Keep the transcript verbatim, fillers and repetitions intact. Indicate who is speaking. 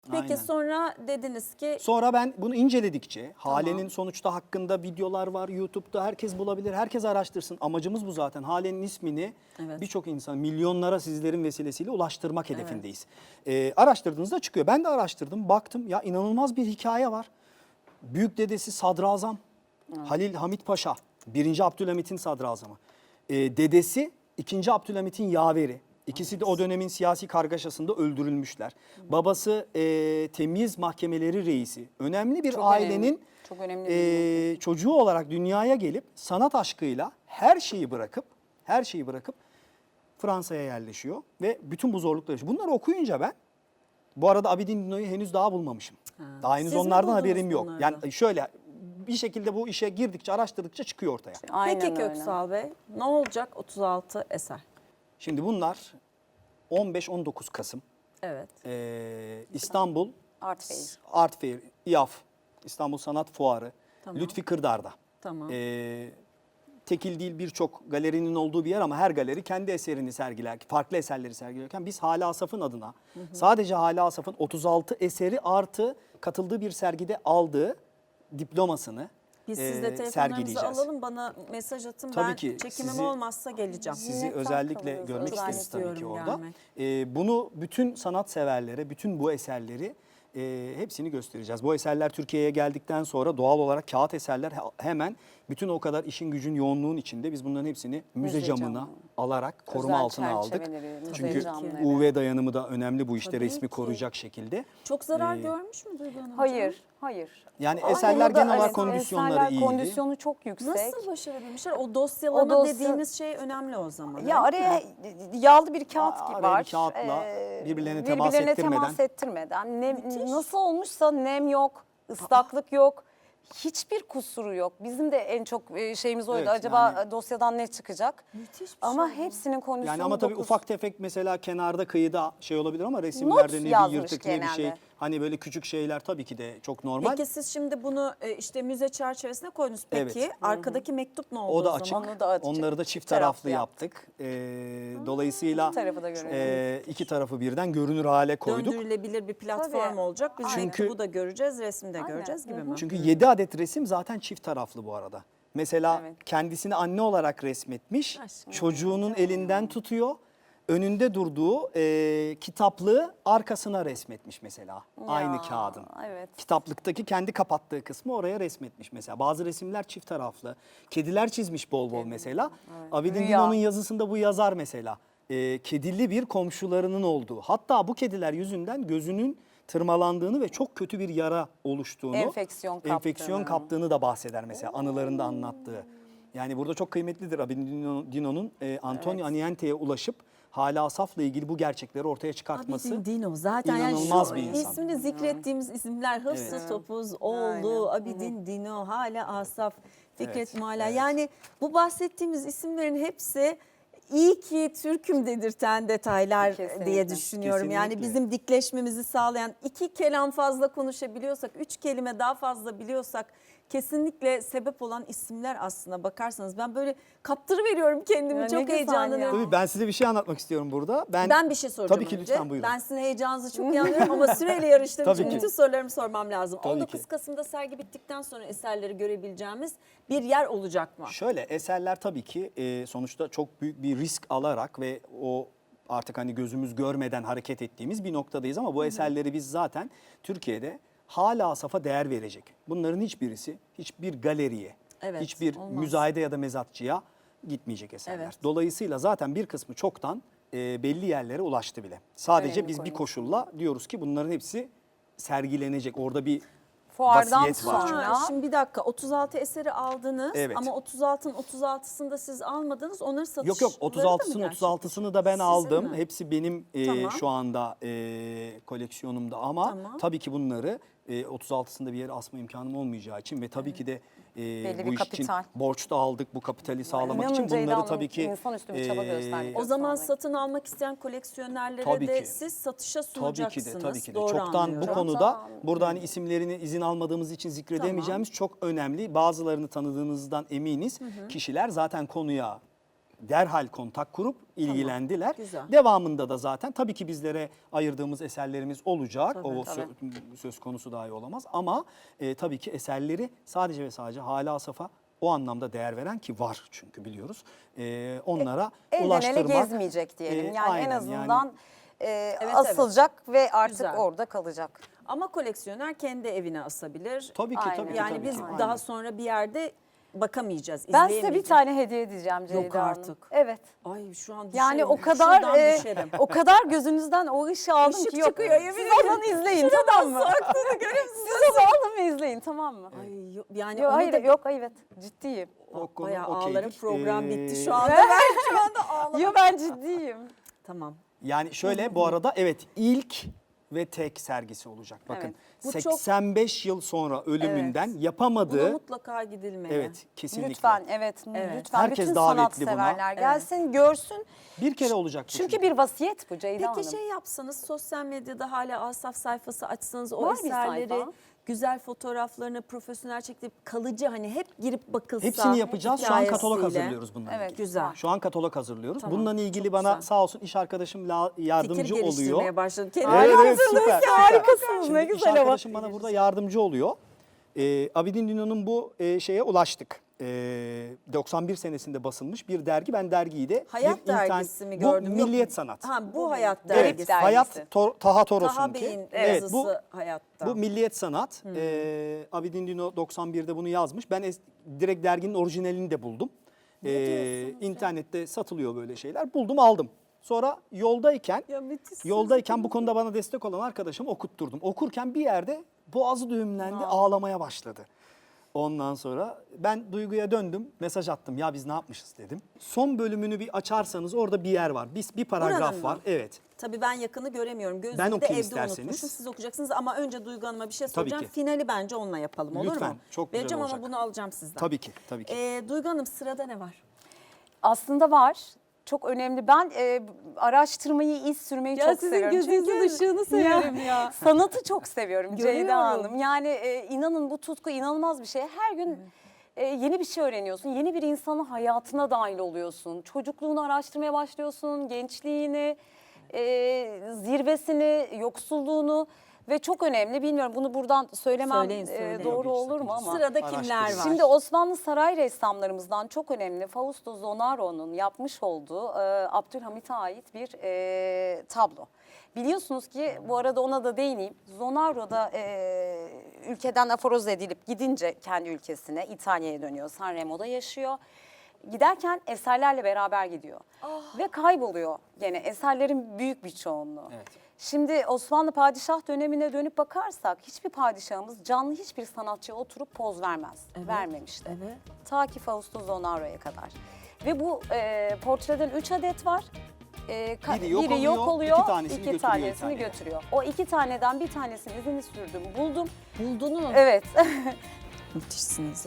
Speaker 1: Peki
Speaker 2: Aynen.
Speaker 1: sonra dediniz ki...
Speaker 2: Sonra ben bunu inceledikçe,
Speaker 1: Tamam.
Speaker 2: Hale'nin sonuçta hakkında videolar var YouTube'da, herkes bulabilir, herkes araştırsın. Amacımız bu zaten. Hale'nin ismini
Speaker 1: Evet.
Speaker 2: birçok insan, milyonlara sizlerin vesilesiyle ulaştırmak hedefindeyiz. Evet. Ee, araştırdığınızda çıkıyor. Ben de araştırdım, baktım ya inanılmaz bir hikaye var. Büyük dedesi Sadrazam, evet. Halil Hamit Paşa, birinci Abdülhamit'in sadrazamı. Ee, dedesi ikinci Abdülhamit'in yaveri. İkisi de o dönemin siyasi kargaşasında öldürülmüşler. Babası e, temyiz mahkemeleri reisi. Önemli bir
Speaker 3: Çok
Speaker 2: ailenin
Speaker 3: önemli. Çok önemli bir
Speaker 2: e, çocuğu olarak dünyaya gelip sanat aşkıyla her şeyi bırakıp her şeyi bırakıp Fransa'ya yerleşiyor ve bütün bu zorlukları yaşıyor. Bunları okuyunca ben bu arada Abidin Dino'yu henüz daha bulmamışım.
Speaker 1: Ha.
Speaker 2: Daha henüz
Speaker 1: Siz mi
Speaker 2: onlardan
Speaker 1: buldunuz
Speaker 2: haberim yok.
Speaker 1: bunları?
Speaker 2: Yani şöyle bir şekilde bu işe girdikçe araştırdıkça çıkıyor ortaya.
Speaker 3: Aynen
Speaker 1: Peki
Speaker 3: öyle.
Speaker 1: Köksal Bey, ne olacak otuz altı eser?
Speaker 2: Şimdi bunlar on beş on dokuz Kasım
Speaker 1: Evet.
Speaker 2: e, İstanbul
Speaker 3: Art Fair.
Speaker 2: Art Fair, İAF, İstanbul Sanat Fuarı,
Speaker 1: Tamam.
Speaker 2: Lütfi Kırdar'da.
Speaker 1: Tamam.
Speaker 2: E, tekil değil birçok galerinin olduğu bir yer ama her galeri kendi eserini sergiler, farklı eserleri sergilerken biz Hale Asaf'ın adına hı hı. sadece Hale Asaf'ın otuz altı eseri artı katıldığı bir sergide aldığı diplomasını
Speaker 1: Biz
Speaker 2: e,
Speaker 1: sizde telefonlarınızı
Speaker 2: sergileyeceğiz.
Speaker 1: alalım, bana mesaj atın.
Speaker 2: Tabii
Speaker 1: ben
Speaker 2: ki,
Speaker 1: çekimim
Speaker 2: sizi-
Speaker 1: olmazsa geleceğim.
Speaker 2: Sizi
Speaker 3: Minnettar
Speaker 2: özellikle
Speaker 3: kalırız.
Speaker 2: görmek
Speaker 3: Özel
Speaker 2: isteriz tabii ki
Speaker 1: istiyorum
Speaker 2: orada.
Speaker 1: gelmek.
Speaker 2: Ee, bunu bütün sanatseverlere, bütün bu eserleri e, hepsini göstereceğiz. Bu eserler Türkiye'ye geldikten sonra doğal olarak kağıt eserler he- hemen bütün o kadar işin gücün yoğunluğun içinde biz bunların hepsini müze,
Speaker 3: Müze
Speaker 2: camına
Speaker 3: camı.
Speaker 2: alarak koruma
Speaker 3: Özel
Speaker 2: altına aldık.
Speaker 3: çerçeveleri, müze
Speaker 2: Çünkü
Speaker 3: camları.
Speaker 2: U V dayanımı da önemli bu işte
Speaker 1: Tabii
Speaker 2: resmi
Speaker 1: ki.
Speaker 2: koruyacak şekilde.
Speaker 1: Çok zarar
Speaker 2: Ee,
Speaker 1: görmüş mü Duygu Hanım?
Speaker 3: Hayır, hayır.
Speaker 2: Yani
Speaker 3: Ama
Speaker 2: eserler
Speaker 3: burada,
Speaker 2: genel olarak
Speaker 3: evet,
Speaker 2: kondisyonları
Speaker 3: eserler
Speaker 2: iyiydi.
Speaker 3: kondisyonu çok yüksek.
Speaker 1: Nasıl başarabilmişler? O dosyalama
Speaker 3: O dosya-
Speaker 1: dediğimiz şey önemli o zaman.
Speaker 3: Ya
Speaker 1: öyle
Speaker 3: araya
Speaker 1: mi?
Speaker 3: yağlı bir kağıt
Speaker 2: Aa,
Speaker 3: gibi
Speaker 2: araya
Speaker 3: var.
Speaker 2: bir kağıtla
Speaker 3: Ee,
Speaker 2: birbirlerine temas
Speaker 3: birbirlerine
Speaker 2: ettirmeden.
Speaker 3: temas ettirmeden. Nem,
Speaker 1: Müthiş.
Speaker 3: nasıl olmuşsa nem yok, ıslaklık yok. Hiçbir kusuru yok. Bizim de en çok e, şeyimiz oydu.
Speaker 2: Evet,
Speaker 3: Acaba
Speaker 2: yani-
Speaker 3: dosyadan ne çıkacak?
Speaker 1: Müthiş bir
Speaker 3: Ama
Speaker 1: şey bu.
Speaker 3: hepsinin kondisyonu
Speaker 2: Yani ama tabii
Speaker 3: dokuz.
Speaker 2: ufak tefek mesela kenarda kıyıda şey olabilir ama resimlerde ne bir
Speaker 3: yazmış
Speaker 2: yırtık ne bir şey.
Speaker 3: genelde.
Speaker 2: Hani böyle küçük şeyler tabii ki de çok normal.
Speaker 1: Peki siz şimdi bunu e, işte müze çerçevesine koydunuz. Peki
Speaker 2: Evet.
Speaker 1: arkadaki mektup ne oldu
Speaker 2: O da
Speaker 1: o
Speaker 2: açık.
Speaker 1: zaman?
Speaker 3: Onu da açık.
Speaker 2: Onları da çift
Speaker 3: Çift
Speaker 2: taraflı
Speaker 3: taraflı
Speaker 2: yaptık. Ee, dolayısıyla
Speaker 3: İki tarafı da görelim.
Speaker 2: e, iki tarafı birden görünür hale koyduk.
Speaker 1: Döndürülebilir bir platform
Speaker 3: Tabii.
Speaker 1: olacak. Biz
Speaker 2: Çünkü-
Speaker 1: mektubu da göreceğiz, resmi de
Speaker 3: Aynen.
Speaker 1: göreceğiz gibi
Speaker 3: Hı
Speaker 1: mi?
Speaker 2: Çünkü yedi adet resim zaten çift taraflı bu arada. Mesela
Speaker 3: Evet.
Speaker 2: kendisini anne olarak resmetmiş.
Speaker 1: Aşkım.
Speaker 2: Çocuğunun elinden tutuyor. Önünde durduğu e, kitaplığı arkasına resmetmiş mesela. Aynı
Speaker 3: Ya,
Speaker 2: kağıdın.
Speaker 3: evet.
Speaker 2: Kitaplıktaki kendi kapattığı kısmı oraya resmetmiş mesela. Bazı resimler çift taraflı. Kediler çizmiş bol bol mesela. Abidin
Speaker 3: Rüya.
Speaker 2: Dino'nun yazısında bu yazar mesela. E, kedili bir komşularının olduğu. Hatta bu kediler yüzünden gözünün tırmalandığını ve çok kötü bir yara oluştuğunu,
Speaker 3: Enfeksiyon kaptığını.
Speaker 2: enfeksiyon kaptığını da bahseder mesela anılarında anlattığı. Yani burada çok kıymetlidir Abidin Dino- Dino'nun e, Antonio Aniente'ye ulaşıp Hale Asaf'la ilgili bu gerçekleri ortaya çıkartması.
Speaker 1: Abidin Dino zaten yani
Speaker 2: inanılmaz
Speaker 1: şu
Speaker 2: bir insan.
Speaker 1: ismini zikrettiğimiz isimler Hıfzı
Speaker 2: Evet.
Speaker 1: Topuz, Oğlu,
Speaker 3: Aynen.
Speaker 1: Abidin Dino, Hale Asaf, Fikret
Speaker 2: Evet,
Speaker 1: Mualla.
Speaker 2: evet.
Speaker 1: Yani bu bahsettiğimiz isimlerin hepsi iyi ki Türk'üm dedirten detaylar
Speaker 3: Kesinlikle.
Speaker 1: diye düşünüyorum. Yani
Speaker 2: Kesinlikle.
Speaker 1: bizim dikleşmemizi sağlayan, iki kelam fazla konuşabiliyorsak, üç kelime daha fazla biliyorsak kesinlikle sebep olan isimler aslında bakarsanız. Ben böyle kaptırıveriyorum kendimi,
Speaker 3: Ya ne
Speaker 1: çok
Speaker 3: güzel
Speaker 1: heyecanlanıyorum.
Speaker 3: ya.
Speaker 2: Tabii ben size bir şey anlatmak istiyorum burada. Ben,
Speaker 1: Ben bir şey soracağım
Speaker 2: Tabii ki
Speaker 1: önce.
Speaker 2: lütfen buyurun.
Speaker 1: Ben sizin heyecanınızı çok iyi anlıyorum ama süreyle yarıştığım
Speaker 2: Tabii
Speaker 1: için
Speaker 2: ki.
Speaker 1: bütün sorularımı sormam lazım.
Speaker 2: Tabii
Speaker 1: on dokuz
Speaker 2: ki.
Speaker 1: Kasım'da sergi bittikten sonra eserleri görebileceğimiz bir yer olacak mı?
Speaker 2: Şöyle eserler tabii ki e, sonuçta çok büyük bir risk alarak ve o artık hani gözümüz görmeden hareket ettiğimiz bir noktadayız ama bu eserleri biz zaten Türkiye'de hala Asaf'a değer verecek. Bunların hiçbirisi hiçbir galeriye,
Speaker 1: Evet,
Speaker 2: hiçbir
Speaker 1: olmaz.
Speaker 2: müzayede ya da mezatçıya gitmeyecek eserler.
Speaker 1: Evet.
Speaker 2: Dolayısıyla zaten bir kısmı çoktan e, belli yerlere ulaştı bile. Sadece
Speaker 3: Önemli
Speaker 2: biz bir
Speaker 3: konu.
Speaker 2: koşulla diyoruz ki bunların hepsi sergilenecek. Orada bir
Speaker 3: Fuardan
Speaker 2: vasiyet var.
Speaker 3: sonra
Speaker 1: Ha, şimdi bir dakika, otuz altı eseri aldınız
Speaker 2: Evet.
Speaker 1: ama otuz altının otuz altısını da siz almadınız. Onları satışları
Speaker 2: Yok yok otuz altısının otuz altısını da ben
Speaker 1: Sizin
Speaker 2: aldım.
Speaker 1: mi?
Speaker 2: Hepsi benim e,
Speaker 1: Tamam.
Speaker 2: şu anda e, koleksiyonumda ama
Speaker 1: Tamam.
Speaker 2: tabii ki bunları e, otuz altısında bir yere asma imkanım olmayacağı için ve tabii ki de e,
Speaker 3: Belli
Speaker 2: bu
Speaker 3: bir
Speaker 2: iş için
Speaker 3: kapital.
Speaker 2: borç da aldık bu kapitali sağlamak
Speaker 3: İnanın
Speaker 2: için
Speaker 3: Ceyda
Speaker 2: bunları
Speaker 3: Hanım
Speaker 2: tabii ki
Speaker 3: insanüstü bir çaba gösterdi.
Speaker 1: O zaman
Speaker 3: Göstermek.
Speaker 1: satın almak isteyen koleksiyonerlere
Speaker 2: Tabii
Speaker 1: de
Speaker 2: ki.
Speaker 1: siz satışa
Speaker 2: Tabii
Speaker 1: sunacaksınız.
Speaker 2: ki de tabii ki de.
Speaker 1: Doğru
Speaker 2: Çoktan bu
Speaker 1: anlıyorum.
Speaker 2: konuda
Speaker 3: Çoktan.
Speaker 2: burada hani isimlerini izin almadığımız için zikredemeyeceğimiz çok önemli. Bazılarını tanıdığınızdan eminiz. Kişiler zaten konuya derhal kontak kurup ilgilendiler.
Speaker 1: güzel.
Speaker 2: Devamında da zaten tabii ki bizlere ayırdığımız eserlerimiz olacak.
Speaker 1: Tabii,
Speaker 2: o
Speaker 1: tabii.
Speaker 2: sö- söz konusu dahi olamaz. Ama e, tabii ki eserleri sadece ve sadece Hale Asaf'a o anlamda değer veren, ki var çünkü biliyoruz. E, onlara
Speaker 3: Elden ele
Speaker 2: ulaştırmak.
Speaker 3: gezmeyecek diyelim.
Speaker 2: e,
Speaker 3: Yani
Speaker 2: aynen,
Speaker 3: en azından e,
Speaker 1: Evet,
Speaker 3: asılacak ve artık
Speaker 1: Güzel.
Speaker 3: orada kalacak.
Speaker 1: Ama koleksiyoner kendi evine asabilir.
Speaker 2: Tabii ki
Speaker 3: Aynen.
Speaker 2: tabii ki.
Speaker 1: Yani
Speaker 2: tabii
Speaker 1: biz
Speaker 2: ki.
Speaker 1: daha
Speaker 2: Aynen.
Speaker 1: sonra bir yerde bakamayacağız,
Speaker 3: Ben size bir
Speaker 1: izleyemeyeceğiz.
Speaker 3: tane hediye edeceğim Ceyda
Speaker 1: Yok
Speaker 3: Hanım.
Speaker 1: artık.
Speaker 3: Evet.
Speaker 1: Ay şu an düşerim.
Speaker 3: Yani o kadar
Speaker 1: Şuradan
Speaker 3: e,
Speaker 1: düşerim.
Speaker 3: o kadar gözünüzden o ışığı aldım
Speaker 1: Işık
Speaker 3: ki yok.
Speaker 1: çıkıyor, yemin
Speaker 3: Siz
Speaker 1: ederim.
Speaker 3: alın izleyin tamam mı? Siz onu alın ve izleyin tamam mı?
Speaker 1: Ay, yok, yani
Speaker 3: Yok
Speaker 1: onu
Speaker 3: hayır
Speaker 1: da
Speaker 3: yok evet ciddiyim.
Speaker 2: O konu
Speaker 1: bayağı
Speaker 2: okeydir.
Speaker 1: ağlarım, program bitti
Speaker 2: Ee,
Speaker 1: şu anda. Ben şu anda ağlarım.
Speaker 3: Yok ben ciddiyim.
Speaker 1: Tamam.
Speaker 2: Yani şöyle bu arada evet ilk ve tek sergisi olacak. Bakın
Speaker 3: Evet.
Speaker 1: Bu çok-
Speaker 2: seksen beş yıl sonra ölümünden
Speaker 1: Buna
Speaker 2: yapamadığı
Speaker 1: mutlaka gidilmeli.
Speaker 2: evet kesinlikle.
Speaker 3: Lütfen evet,
Speaker 1: Evet.
Speaker 3: lütfen
Speaker 2: Herkes
Speaker 3: bütün
Speaker 2: davetli buna.
Speaker 3: sanatseverler gelsin görsün.
Speaker 2: Bir kere olacak bu
Speaker 3: Çünkü bir vasiyet bu Ceyda
Speaker 1: Peki
Speaker 3: Hanım.
Speaker 1: şey yapsanız, sosyal medyada hala Asaf sayfası açsanız, o
Speaker 3: Var bir
Speaker 1: eserleri,
Speaker 3: sayfa.
Speaker 1: güzel fotoğraflarını profesyonel çekip kalıcı, hani hep girip bakılsa.
Speaker 2: Hepsini yapacağız. Şu an katalog
Speaker 1: hikayesiyle.
Speaker 2: hazırlıyoruz bununla
Speaker 3: Evet.
Speaker 2: ilgili.
Speaker 1: Güzel.
Speaker 2: Şu an katalog hazırlıyoruz.
Speaker 1: Tamam,
Speaker 2: Bununla ilgili
Speaker 1: çok
Speaker 2: bana
Speaker 1: güzel.
Speaker 2: sağ olsun iş arkadaşım la- yardımcı
Speaker 1: Fikir
Speaker 2: oluyor.
Speaker 1: geliştirmeye başladım. Kendi
Speaker 2: Evet, evet, süper.
Speaker 3: Harikasınız
Speaker 2: Şimdi
Speaker 3: ne
Speaker 2: iş
Speaker 3: güzel ama.
Speaker 2: arkadaşım bana burada yardımcı oluyor. Ee, Abidin Dino'nun bu e, şeye ulaştık. Ee, doksan bir senesinde basılmış bir dergi. Ben dergiyi de
Speaker 1: Hayat
Speaker 2: bir internet-
Speaker 1: dergisi mi gördüm?
Speaker 2: Bu
Speaker 1: Yok.
Speaker 2: Milliyet Sanat.
Speaker 1: Ha, bu Hayat
Speaker 2: Evet,
Speaker 1: dergisi.
Speaker 3: dergisi.
Speaker 2: Hayat Tor- Taha Toros'unki.
Speaker 1: Taha Bey'in
Speaker 2: Evet,
Speaker 1: yazısı
Speaker 2: bu
Speaker 1: Hayatta.
Speaker 2: Bu Milliyet Sanat. Ee, Abidin Dino doksan birde bunu yazmış. Ben es- direkt derginin orijinalini de buldum. Ee, internette satılıyor böyle şeyler. Buldum aldım. Sonra yoldayken
Speaker 1: Ya müthişsiniz.
Speaker 2: yoldayken bu konuda bana destek olan arkadaşım okutturdum. Okurken bir yerde boğazı düğümlendi, ağlamaya başladı. Ondan sonra ben Duygu'ya döndüm, mesaj attım. Ya biz ne yapmışız dedim. Son bölümünü bir açarsanız orada bir yer var. Bir, bir paragraf
Speaker 1: Buranın mı?
Speaker 2: var. Evet.
Speaker 1: Tabii ben yakını göremiyorum. Gözümü
Speaker 2: Ben
Speaker 1: de
Speaker 2: okuyayım
Speaker 1: evde
Speaker 2: isterseniz.
Speaker 1: unutmuşum. Siz okuyacaksınız ama önce Duygu Hanım'a bir şey
Speaker 2: Tabii
Speaker 1: soracağım.
Speaker 2: ki.
Speaker 1: Finali bence onunla yapalım, olur
Speaker 2: Lütfen,
Speaker 1: mu?
Speaker 2: çok güzel
Speaker 1: Vereceğim ama
Speaker 2: olacak.
Speaker 1: bunu alacağım sizden.
Speaker 2: Tabii ki, tabii ki.
Speaker 1: Ee, Duygu Hanım, sırada ne var?
Speaker 3: Aslında var. Çok önemli. Ben e, araştırmayı, iz sürmeyi
Speaker 1: Ya
Speaker 3: çok
Speaker 1: sizin
Speaker 3: seviyorum.
Speaker 1: gözünüzün
Speaker 3: Çünkü-
Speaker 1: ışığını severim ya.
Speaker 3: Sanatı çok seviyorum Ceyda
Speaker 1: Görüyorum.
Speaker 3: Hanım. Yani e, inanın bu tutku inanılmaz bir şey. Her gün e, yeni bir şey öğreniyorsun. Yeni bir insanın hayatına dahil oluyorsun. Çocukluğunu araştırmaya başlıyorsun. Gençliğini, e, zirvesini, yoksulluğunu. Ve çok önemli. Bilmiyorum bunu buradan söylemem
Speaker 1: Söyleyin,
Speaker 3: e,
Speaker 1: söyleyin.
Speaker 3: doğru
Speaker 2: Yok, hiç
Speaker 3: olur mu
Speaker 2: sakıncası
Speaker 3: ama.
Speaker 1: Sırada
Speaker 2: Araştırın.
Speaker 1: kimler var?
Speaker 3: Şimdi Osmanlı saray ressamlarımızdan çok önemli Fausto Zonaro'nun yapmış olduğu e, Abdülhamit'e ait bir e, tablo. Biliyorsunuz ki bu arada ona da değineyim. Zonaro da e, ülkeden aforoz edilip gidince kendi ülkesine İtalya'ya dönüyor. Sanremo'da yaşıyor. Giderken eserlerle beraber gidiyor. Ve kayboluyor gene eserlerin büyük bir çoğunluğu.
Speaker 2: Evet.
Speaker 3: Şimdi Osmanlı padişah dönemine dönüp bakarsak hiçbir padişahımız canlı hiçbir sanatçıya oturup poz vermez. Vermemişti.
Speaker 1: Evet.
Speaker 3: Ta ki Fausto Zonaro'ya kadar. Ve bu e, portreden üç adet var. E, ka-
Speaker 2: Biri yok
Speaker 3: biri
Speaker 2: oluyor,
Speaker 3: yok oluyor,
Speaker 2: iki tanesini
Speaker 3: iki
Speaker 2: götürüyor
Speaker 3: tanesini
Speaker 2: İtalya'ya.
Speaker 3: götürüyor. O iki taneden bir tanesinin izini sürdüm, buldum.
Speaker 1: Buldunuz.
Speaker 3: Evet.
Speaker 1: Müthişsiniz